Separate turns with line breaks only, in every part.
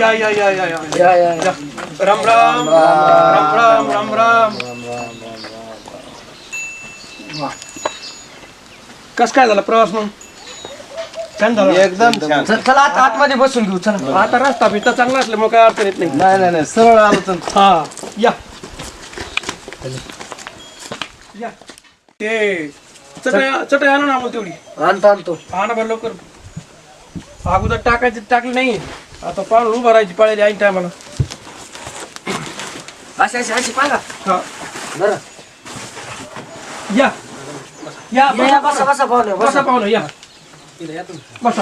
या या या या या या राम राम राम राम राम राम. कस काय झाला प्रवास मग? छान झाला
एकदम छान.
चला आता आतमध्ये बसून घेऊ. चला
आता रस्ता बिस्ता चांगला असल्यामुळे काय अडचण येत नाही.
नाही नाही नाही सरळ आलो तर.
हा या या ते चटई आणा ना आम्हाला तेवढी.
आणतो
आणा बरं लवकर. अगोदर टाकली नाही आता पाहून उभं राहायची पाळायची ऐन टायमाला.
अशी पाहा
हा
बरं.
या या
या बसा बसा पाहुणे
बसा पाहुणे या बसा.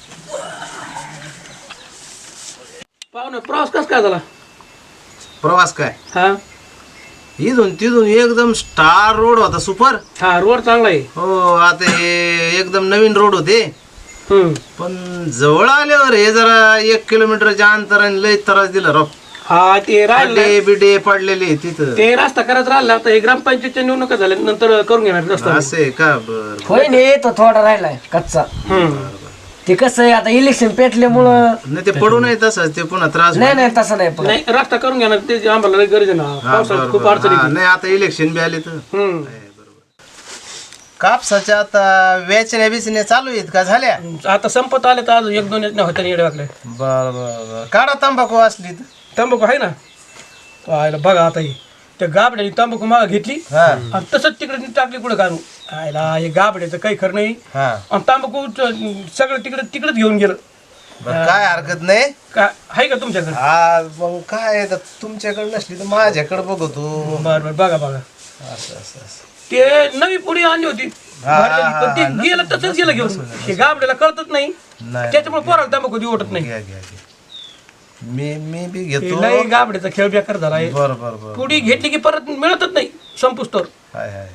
पाहुणे प्रवास कस काय झाला?
प्रवास काय
हा
इथून तिथून एकदम स्टार रोड होता सुपर.
हा रोड चांगला आहे.
हो आता हे एकदम नवीन रोड होते
हम्म
पण जवळ आल्यावर हे जरा 1 किलोमीटरच्या अंतराने लय त्रास दिला राव.
हा ते राहिलं
खड्डे बिडे पडलेले तिथं.
ते रस्ता करायचा राहिला. आता हे ग्रामपंचायतच्या निवडणुका झाल्या नंतर करून घेणार रस्ता.
असे का बर
होय नाही तो थोडा राहिलाय कच्चा. ते कसं आहे आता इलेक्शन पेटल्यामुळं
नाही ते पडू नये तसंच ते पुन्हा त्रास
नाही तसं नाही पण
नाही रस्ता करून घेणार ते आम्हाला लय गरज आहे ना.
हा,
पावसाळ्यात
बरं,
खूप
बरं.
अडचण
हा,
येते.
नाही आता इलेक्शन बी आले तर
हम्म.
कापसाच्या आता वेचण्या बिचण्या चालू आहेत का झाल्या?
आता संपत आले तर अजून 1-2 होत्या येडे वागले.
बर बर बर काढा तंबाखू असली तर.
तंबाखू आहे ना आयला बघा आता ही त्या गाबड्याने तंबाखू मागा घेतली
हा
आणि तसंच तिकडे टाकली कुठं काढून. आयला हे गाबड्याचं काही खरं नाही.
हा
आणि तंबाखू सगळं तिकडेच घेऊन गेलं.
बरं, काय हरकत नाही.
का आहे का तुमच्याकडे?
हा मग काय आता तुमच्याकडे नसली तर माझ्याकडे बघतो.
बरं बघा
असं असं असं.
ते नवी पुडी आणली होती
हा,
भरलेली, पण ते
हा,
गेलं तसंच गेलं घेऊन. हे गाबड्याला कळतच नाही
नाही
त्याच्यामुळे पोराला तंबाखू देऊ वाटत नाही.
घ्या घ्या घ्या. मी बी
हे
घेतो.
लय गाबड्याचा खेळ बेकार झाला आहे.
बर बर बर.
पुडी घेतली की परत मिळतच नाही संपुस्तोर.
हाय हाय हाय.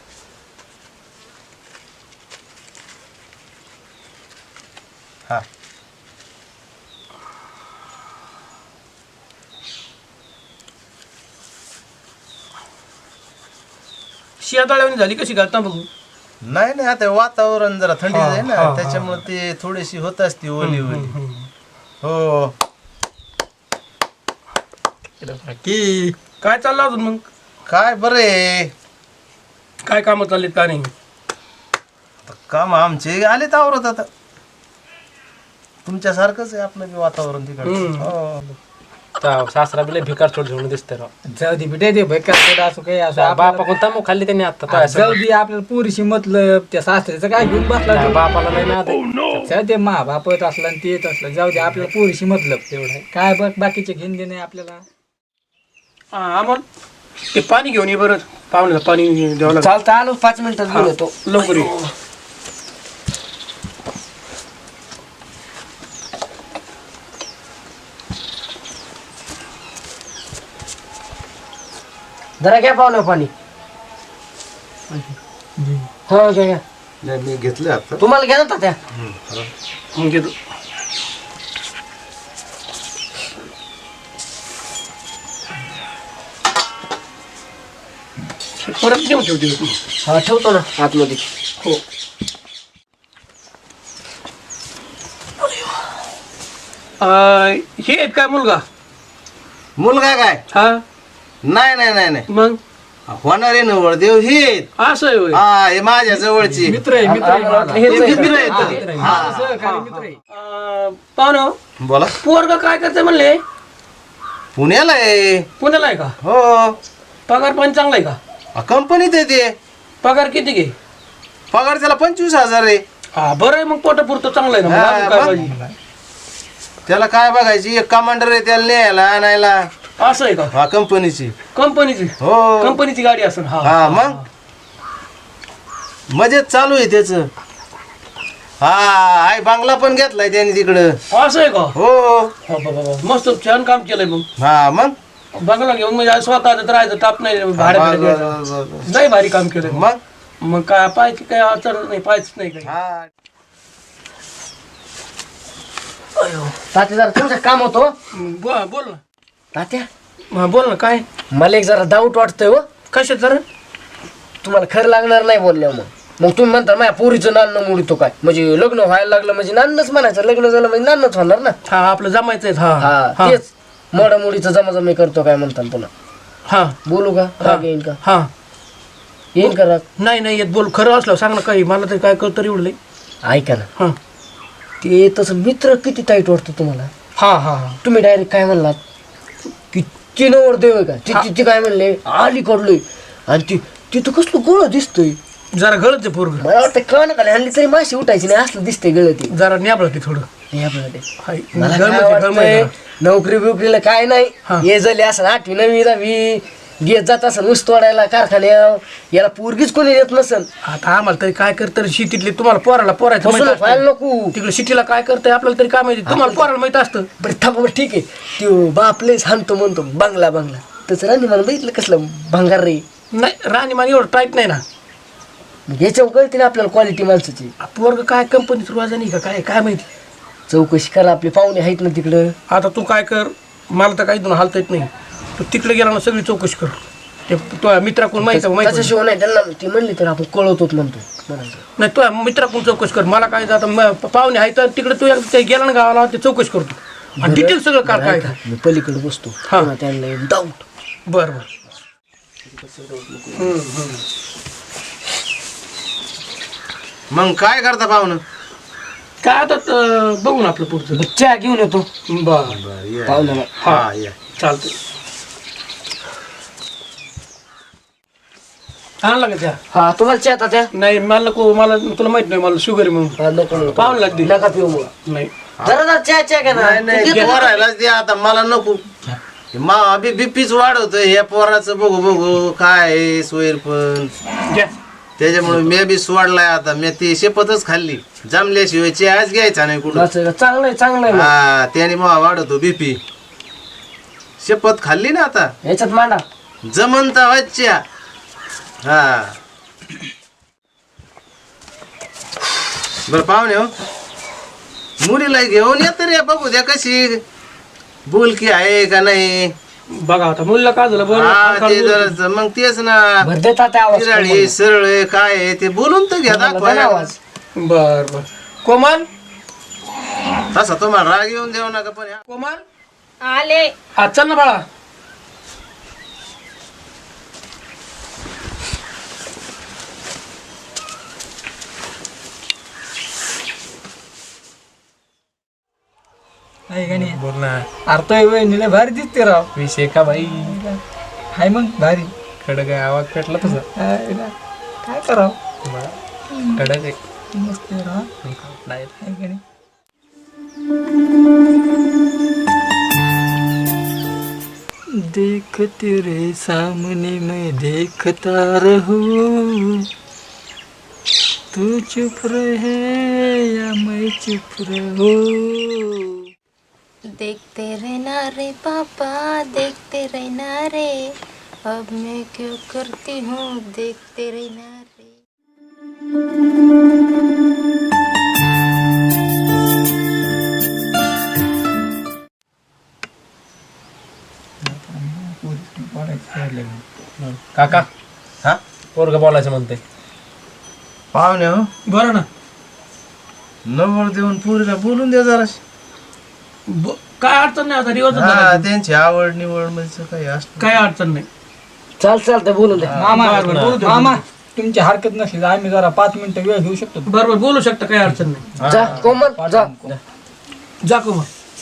हा
शियाताळ्यावणी झाली कशी घालता बघू.
नाही नाही आता वातावरण जरा थंडी
हा,
आहे
हा,
ना
हा.
त्याच्यामुळे ते थोडीशी होत असते ओली ओली. हो
की काय चाललं अजून मग?
काय बरे
काय कामं चाललीत का नाही?
काम आमचे आले आवरत आता. तुमच्यासारखंच आहे आपलं बी वातावरण तिकडे. हो
सासरा बिले भिकार छोड घेऊन दिसते राव.
जाऊ दे बेटे, ते बेकार असो काही असो
बापा कोणता मग खाल्ली त्यांनी आता
जाऊ दे, आपल्याला पुरीशी मतलब त्या सासऱ्याचं काय घेऊन बसला तू?
बापाला नाही ना
जाऊ दे, मा बापत असला आणि ते येत असलं, जाऊ दे, आपल्याला पुरीशी मतलब तेवढं आहे. काय बघ बाकीचे घेऊन दे नाही आपल्याला.
हा अमोल ते पाणी घेऊन ये बरं. पाहुण्याला पाणी द्यावं लागेल.
चालतं आलो 5 मिनिटात घेऊन येतो.
लवकर ये.
जरा घ्या पाहुणे पाणी. हो घ्या घ्या.
नाही मी घेतले आता.
तुम्हाला घ्या ना त्या.
मग घेतो. परत घेऊन ठेवते तू.
हा ठेवतो ना आतमध्ये.
हो हे आहेत काय मुलगा?
मुलगा काय?
हा
नाही नाही नाही नाही
मग
होणारे नवळ देव हे आहेत.
असं आहे होय.
हा हे माझ्या जवळची
मित्र आहे, मित्र आहे माझा.
हे मित्र आहेत.
सहकारी मित्र आहे.
पाहुणं
बोला.
पोरगा काय करते म्हणले?
पुण्याला आहे.
पुण्याला आहे का?
हो
पगार पण चांगला आहे का?
कंपनीत आहे ते.
पगार किती घे?
पगार त्याला 25,000 आहे.
हा बरं आहे मग पोटापुरतं चांगलं आहे ना. मग
हा,
अजून काय
मग?
पाहिजे?
त्याला काय बघायची एक कमांडर आहे त्याला न्यायला आणायला.
असं आहे का?
हा कंपनीची.
कंपनीची
हो
कंपनीची गाडी असेल. हा
हा मग मजेत चालू आहे त्याच. हा आई बांगला पण घेतलाय त्याने तिकडं.
असं आहे का?
हो
हा, बाबा, मस्त छान काम केलंय मग.
हा मग
बंगला घेऊन म्हणजे स्वतः राहायचं ताप नाही भाड्याला नाही भारी काम केलंय.
मग
मग काय पाहायची काय अडचण नाही पाहायच नाही काही.
हा
तात्या जरा तुमचं काम होतो.
बोल ना.
तात्या
हा बोल ना काय?
मला एक जरा डाऊट वाटतोय हो.
कशात जरा?
तुम्हाला खरं लागणार नाही बोलल्या मग. मग तुम्ही म्हणता माझ्या पोरीचं नान्न मोडतो काय म्हणजे लग्न व्हायला लागलं म्हणजे नान्नच म्हणायचं लग्न झालं म्हणजे नान्नच होणार ना.
हा आपलं जमायचंय. हा
हा तेच मोडामोडीचं जमाजमी करतो काय म्हणतात पुन्हा.
हा
बोलू का राग येईल का
हा
येईल का राग
नाही नाही येत बोल खरं असलं सांग ना काही मला तरी काय कळतं एवढं लई.
ऐका ना
हा
ते तसं मित्र किती टाईट वाटतं तुम्हाला.
हा हा हा
तुम्ही डायरेक्ट काय म्हणलात की चिनवर देव आहे का ती काय म्हणले आली कडलोय आणि ती तिथं कसलं गोळ दिसतोय.
जरा गळत पोरग
मला वाटतं कळ ना हल्ली तरी माशी उठायची नाही असलं दिसतंय गळ ते
जरा न्याबळ ते थोडं. हाय.
मला
गळमट
काय
आहे, गळमट
वाटतंय,
आहे.
नोकरी बिकरीला काय
हा.
नाही हे झाले असं 8वी 9वी 10वी घेत जात असं ऊस तोडायला कारखान्यात याला पोरगीच कोणी येत नसन.
आता आम्हाला तरी काय करतं शिटीतले तुम्हाला पोराला पोरायचं माहित
फसवणूक व्हायला
असतं.
नको.
तिकडे शिटीला काय करतंय आपल्याला तरी काय माहिती तुम्हाला पोराला माहित असतं.
बरं थांबा बरं ठीक आहे त्यो बापले सांगतो म्हणतो बंगला बंगला तसं राणी मला बघितलं कसलं भंगार रे.
नाही राणीमान एवढं टाईट नाही ना.
मग याच्यावर कळते ना आपल्याला क्वालिटी माणसाची.
पोरग काय कंपनीत रुवाजा नाही का काय काय माहिती.
चौकशी करा आपले पाहुणे आहेत ना तिकडं.
आता तू काय कर मला तर काही दोन हालता येत नाही. तू तिकडे गेला ना सगळी चौकशी कर. ते तुझ्या मित्राकडून माहिती
त्याच्याशिवाय नाही त्यांना ती म्हणली तर आपण कळवतोच म्हणतो म्हणायचं.
नाही तुझ्या मित्राकडून चौकशी कर. मला काय आता पाहुणे आहे तर तिकडे तू एकदा गेला ना गावाला ते चौकशी करतो आणि डिटेल सगळं काय काय
ऐका, मी पलीकडे बसतो
हा.
पुन्हा त्यांना डाऊट.
बरं बरं
मग काय करता पाहुणं?
काय आता बघू ना आपलं पुढचं.
चहा घेऊन येतो
बरं
पाहुण्याला.
हा या.
चालतंय. आणला का त्या
हा तुम्हाला चहा आता त्या
नाही मला नको मला तुला माहित नाही मला शुगर आहे म्हणून
हा, नको नको.
पाहुणे लागते
नका पिऊ मग.
नाही
जरा चहा चहा घ्या ना.
नाही
तू घेतो का?
पोरायलाच द्या आता मला नको. बीपीच वाढवतोय ह्या पोराचं बघू बघू काय सोयर पण
घ्या.
त्याच्यामुळे मी बी सोडलाय आता. मी ती शपथच खाल्ली जमल्याशिवाय चहाच घ्यायचा नाही कुठं.
असं का? चांगलं आहे चांगलं आहे मग.
हा त्याने मग वाढवतो बीपी. शपथ खाल्ली ना आता
याच्यात मांडा.
जमनता वाच्या. हा बर पाहुणे हो मुलीला घेऊन येत रे बघू द्या कशी बोलकी आहे का नाही.
बघा आता मुलीला काय झालं
हा ते जरा मग तेच ना
भर देता त्या आवाज
तिराळी सरळ आहे, काय आहे ते बोलून तर घ्या दाखवा.
आवाज.
बर बर कोमल
तसा तुम्हाला राग येऊन देऊ नका पण
कोमल
आले.
हा चल ना बाळा.
आहे का नाही?
बोल ना
अरे वहिनीला भारी दिसते राव.
विषय का बाई
हाय मग भारी.
खडक आहे आवाज पेटला तुझा.
आहे ना. काय करावं
खडक आहे
मस्त आहे राव.
नाही
आहे का नाही? देख तेरे सामने मैं देखता रहूं तू चुप रहे या मैं चुप रहूं.
देखते रहना रे पापा, देखते रहना रे, अब मैं क्यों करती हूँ देखते रहना रे.
काका
हा
पोरग बोलायचं म्हणते.
पाहुणे हो
बरं ना
नंबर देऊन पुरीला बोलून द्या जरा.
काय अडचण नाही आता दिवस
हा त्यांची आवड निवड म्हणजे काही असतं.
काय अडचण नाही.
चालतंय बोलून द्या.
मामा
बरं, बोलू दे.
मामा तुमची हरकत नसली तर आम्ही जरा 5 मिनिटं वेळ घेऊ शकतो.
बरोबर बोलू शकता काही अडचण नाही.
जा कोमल जा.
जा कोमल.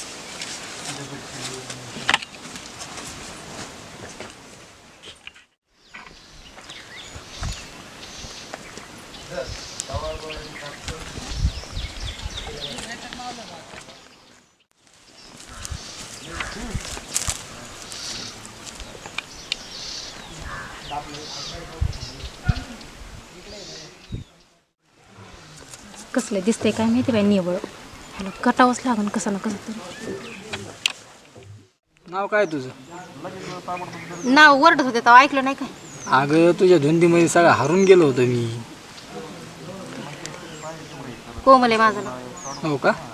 कसलं दिसतंय काय माहिती बाई निवळ. ह्याला कटावंच लागन कसं ना कसं तरी.
नाव काय तुझं?
नाव वरडत होते तेव्हा ऐकलं नाही काय.
अगं तुझ्या धुंदीमध्ये सगळं हरून गेलो होतो मी.
कोमल आहे माझं नाव.
हो का?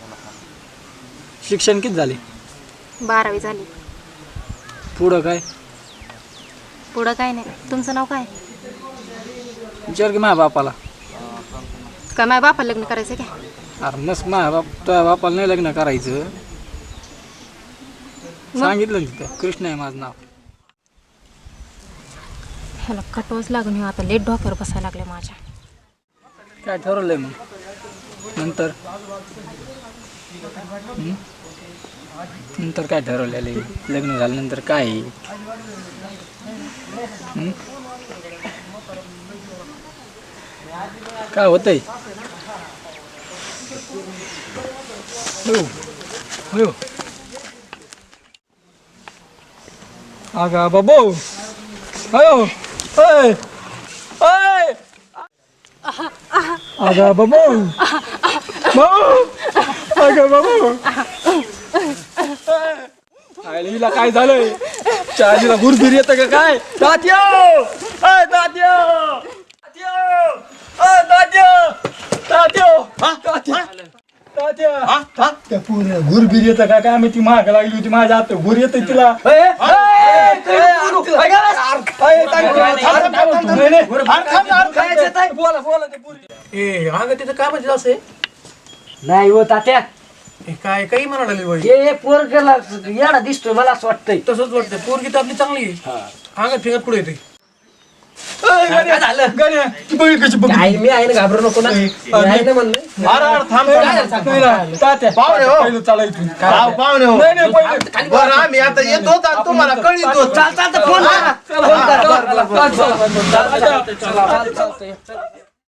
शिक्षण किती झाले?
12वी झाली.
पुढं काय?
पुढं काय नाही. तुमचं नाव काय?
विचार की माझ्या बापाला.
काय माझ्या बापाला लग्न करायचं काय?
अरे मस्त माझ्या तुझ्या बापाला नाही लग्न करायचं. सांगितलं तिथं कृष्ण आहे माझं नाव.
ह्याला कटवच लागून हे आता लेट डोक्यावर बसायला लागले माझ्या.
काय ठरवलंय मग नंतर? नंतर काय ठरवलेलं आहे? लग्न झाल्यानंतर काय आहे? काय होतंय? हो अगा बाबू अयो अय अय अगा बाबू बाबू अगा बाबू आईला काय झालंय? चालीला घुरफिर येतं का काय? तात्यो अय तात्यो तात्यो तात्यो तात्यो तात्यो त्या पूर्ण घुरफिर येतं का काय? मी ती महाग लागली होती माझ्या हात घुर येत तिला. बोला बोला ते पुरी.
ए अगं तिचं काय म्हणजे असं आहे?
नाही हो तात्या,
हे काय काही म्हणायला लागली बाई.
हे पोरगेला येडा दिसतोय मला असं वाटतंय.
तसंच वाटतं पोरगी तर आपली चांगली आहे. अंगात फिंगात पुढे येते.
काय झालं? गण्या, ती बघ कशी बघ.
आई मी आहे ना, घाबरू नको ना. मी आहे ना म्हणलं.
तात्या
पाहुणे हो.
पहिलं चला इथून.
पाहुणे हो.
नाही नाही पहिले
बरं आम्ही आता येतो आणि तुम्हाला कळीतो.
चालतं फोन करा.
चला, चला, चला, चला, चला, चला, चला, चला, चला, चला, चला.